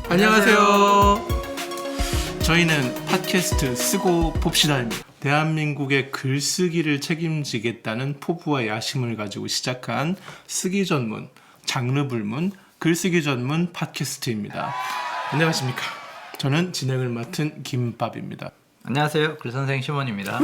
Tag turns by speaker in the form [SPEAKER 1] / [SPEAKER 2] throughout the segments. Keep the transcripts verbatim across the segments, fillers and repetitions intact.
[SPEAKER 1] 안녕하세요. 저희는 팟캐스트 쓰고 봅시다입니다. 대한민국의 글쓰기를 책임지겠다는 포부와 야심을 가지고 시작한 쓰기 전문, 장르 불문, 글쓰기 전문 팟캐스트입니다. 안녕하십니까. 저는 진행을 맡은 김밥입니다.
[SPEAKER 2] 안녕하세요. 글선생 시몬입니다.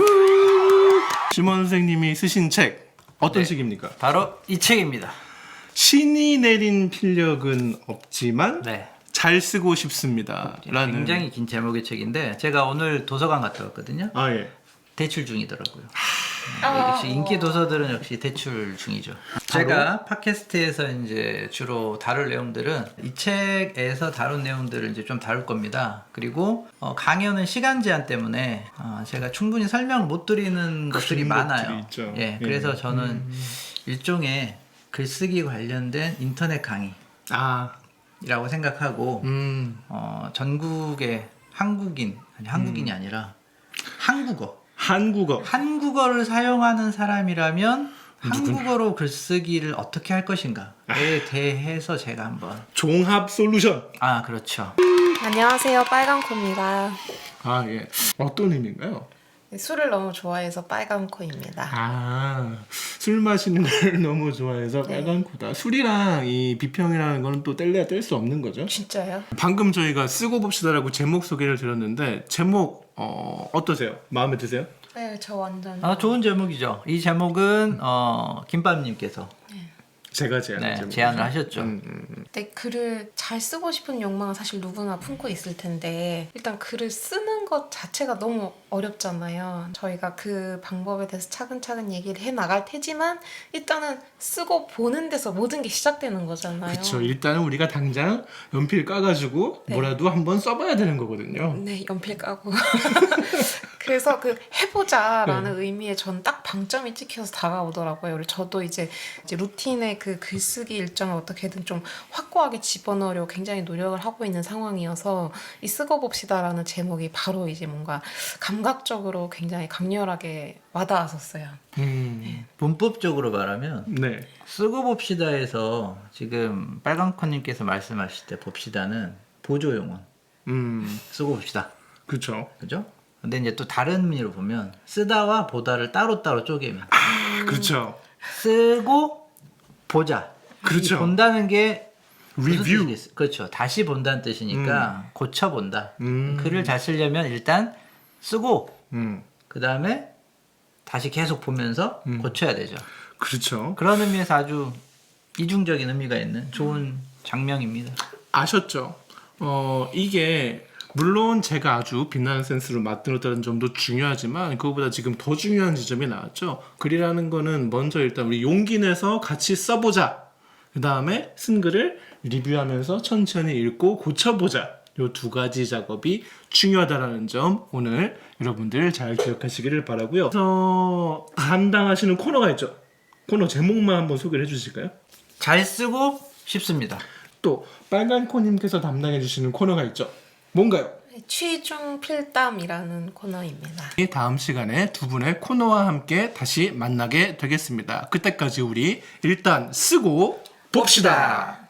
[SPEAKER 1] 시몬 선생님이 쓰신 책 어떤
[SPEAKER 2] 네.
[SPEAKER 1] 책입니까?
[SPEAKER 2] 바로 이 책입니다.
[SPEAKER 1] 신이 내린 필력은 없지만
[SPEAKER 2] 네.
[SPEAKER 1] 잘 쓰고 싶습니다. 라는
[SPEAKER 2] 굉장히 긴 제목의 책인데 제가 오늘 도서관 갔다 왔거든요.
[SPEAKER 1] 아 예.
[SPEAKER 2] 대출 중이더라고요. 네,
[SPEAKER 3] 아,
[SPEAKER 2] 역시 인기 도서들은 역시 대출 중이죠. 제가 팟캐스트에서 이제 주로 다룰 내용들은 이 책에서 다룬 내용들을 이제 좀 다룰 겁니다. 그리고 어, 강연은 시간 제한 때문에 어, 제가 충분히 설명을 못 드리는 것들이 많아요.
[SPEAKER 1] 있죠.
[SPEAKER 2] 예, 그래서
[SPEAKER 1] 예.
[SPEAKER 2] 저는
[SPEAKER 1] 음.
[SPEAKER 2] 일종의 글쓰기 관련된 인터넷 강의.
[SPEAKER 1] 아,
[SPEAKER 2] 이라고 생각하고
[SPEAKER 1] 음,
[SPEAKER 2] 어, 전국의 한국인 아니 한국인이
[SPEAKER 1] 음.
[SPEAKER 2] 아니라 한국어
[SPEAKER 1] 한국어.
[SPEAKER 2] 한국어를 사용하는 사람이라면
[SPEAKER 1] 누구나.
[SPEAKER 2] 한국어로 글쓰기를 어떻게 할 것인가에 대해서 제가 한번
[SPEAKER 1] 종합 솔루션.
[SPEAKER 2] 아 그렇죠.
[SPEAKER 3] 안녕하세요. 빨강코입니다.
[SPEAKER 1] 아 예. 어떤 의미인가요?
[SPEAKER 3] 술을 너무 좋아해서 빨강코입니다.
[SPEAKER 1] 아, 술 마시는 걸 너무 좋아해서
[SPEAKER 3] 네.
[SPEAKER 1] 빨간 코다. 술이랑 이 비평이라는 거는 또 뗄래야 뗄 수 없는 거죠.
[SPEAKER 3] 진짜요?
[SPEAKER 1] 방금 저희가 쓰고 봅시다라고 제목 소개를 드렸는데 제목 어, 어떠세요? 마음에 드세요?
[SPEAKER 3] 네, 저 완전.
[SPEAKER 2] 아 좋은 제목이죠. 이 제목은 어, 김밥님께서
[SPEAKER 1] 제가 제안한
[SPEAKER 2] 네,
[SPEAKER 1] 제목.
[SPEAKER 2] 제안을 하셨죠.
[SPEAKER 1] 음, 음, 음.
[SPEAKER 3] 네, 글을 잘 쓰고 싶은 욕망은 사실 누구나 품고 있을 텐데 일단 글을 쓰는 것 자체가 너무 어렵잖아요. 저희가 그 방법에 대해서 차근차근 얘기를 해 나갈 테지만 일단은 쓰고 보는 데서 모든 게 시작되는 거잖아요.
[SPEAKER 1] 그렇죠. 일단은 우리가 당장 연필 까가지고
[SPEAKER 3] 네.
[SPEAKER 1] 뭐라도 한번 써봐야 되는 거거든요.
[SPEAKER 3] 네, 연필 까고. 그래서 그 해보자라는
[SPEAKER 1] 네.
[SPEAKER 3] 의미에 전 딱 방점이 찍혀서 다가오더라고요. 그리고 저도 이제, 이제 루틴의 그 글쓰기 일정을 어떻게든 좀 확고하게 집어넣으려고 굉장히 노력을 하고 있는 상황이어서 이 쓰고 봅시다라는 제목이 바로 이제 뭔가 감각적으로 굉장히 강렬하게 와닿았었어요.
[SPEAKER 1] 음,
[SPEAKER 2] 문법적으로 말하면
[SPEAKER 1] 네.
[SPEAKER 2] 쓰고 봅시다에서 지금 빨강코님께서 말씀하실 때 봅시다는 보조용어
[SPEAKER 1] 음,
[SPEAKER 2] 쓰고 봅시다.
[SPEAKER 1] 그렇죠.
[SPEAKER 2] 그죠? 근데 이제 또 다른 의미로 보면 쓰다와 보다를 따로따로 쪼개면
[SPEAKER 1] 그렇죠.
[SPEAKER 2] 쓰고 보자.
[SPEAKER 1] 그렇죠.
[SPEAKER 2] 이 본다는 게 무슨
[SPEAKER 1] 리뷰.
[SPEAKER 2] 뜻이겠어요? 그렇죠. 다시 본다는 뜻이니까 고쳐본다.
[SPEAKER 1] 음.
[SPEAKER 2] 글을 잘 쓰려면 일단 쓰고
[SPEAKER 1] 음,
[SPEAKER 2] 그 다음에 다시 계속 보면서
[SPEAKER 1] 음.
[SPEAKER 2] 고쳐야 되죠.
[SPEAKER 1] 그렇죠.
[SPEAKER 2] 그런 의미에서 아주 이중적인 의미가 있는 좋은 장면입니다.
[SPEAKER 1] 아셨죠? 어, 이게 물론 제가 아주 빛나는 센스로 만들었다는 점도 중요하지만 그거보다 지금 더 중요한 지점이 나왔죠. 글이라는 거는 먼저 일단 우리 용기 내서 같이 써보자. 그 다음에 쓴 글을 리뷰하면서 천천히 읽고 고쳐보자. 요 두 가지 작업이 중요하다는 점 오늘 여러분들 잘 기억하시기를 바라고요. 그래서 담당하시는 코너가 있죠. 코너 제목만 한번 소개를 해주실까요?
[SPEAKER 2] 잘 쓰고 싶습니다.
[SPEAKER 1] 또 빨간 코님께서 담당해 주시는 코너가 있죠. 뭔가요?
[SPEAKER 3] 취중 필담이라는 코너입니다.
[SPEAKER 1] 다음 시간에 두 분의 코너와 함께 다시 만나게 되겠습니다. 그때까지 우리 일단 쓰고 봅시다.